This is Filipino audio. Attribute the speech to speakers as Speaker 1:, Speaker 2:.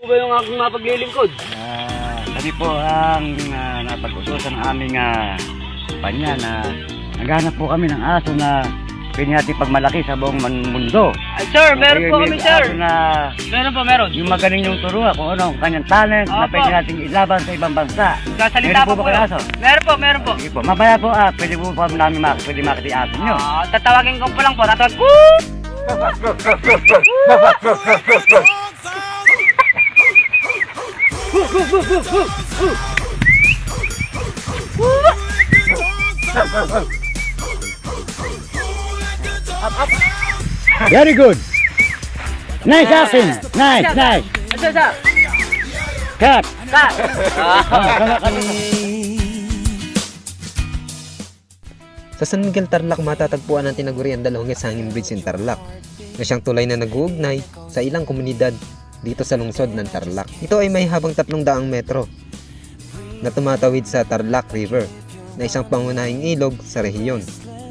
Speaker 1: Ano ba yung aking mapaglilingkod?
Speaker 2: Kami po ang napag-utusan ng aming panya na naghanap po kami ng aso na pwede natin pagmalaki sa buong mundo.
Speaker 1: Ay, sir, meron po kami, sir.
Speaker 2: Aso na
Speaker 1: Meron po, meron.
Speaker 2: yung magaling yung turuan kung ano, ang kanyang talent na
Speaker 1: Opo.
Speaker 2: pwede natin ilaban sa ibang bansa.
Speaker 1: Sasalita
Speaker 2: Meron po
Speaker 1: po
Speaker 2: ba kayo
Speaker 1: kayo.
Speaker 2: aso?
Speaker 1: Meron po, meron po.
Speaker 2: Sige po, mamaya po pwede po pa namin pwede makita yung aso nyo.
Speaker 1: Tatawagin ko po lang po. Tatawag ko.
Speaker 2: Very good. Nice action. Nice.
Speaker 1: Asa, asa.
Speaker 2: Cut.
Speaker 1: Cut.
Speaker 3: Sa San Miguel, Tarlac matatagpuan ang tinaguriang Dalhonges Hanging Bridge in Tarlac na siyang tulay na nag-uugnay sa ilang komunidad dito sa lungsod ng Tarlac. Ito ay may habang 300 metro na tumatawid sa Tarlac River na isang pangunahing ilog sa rehiyon.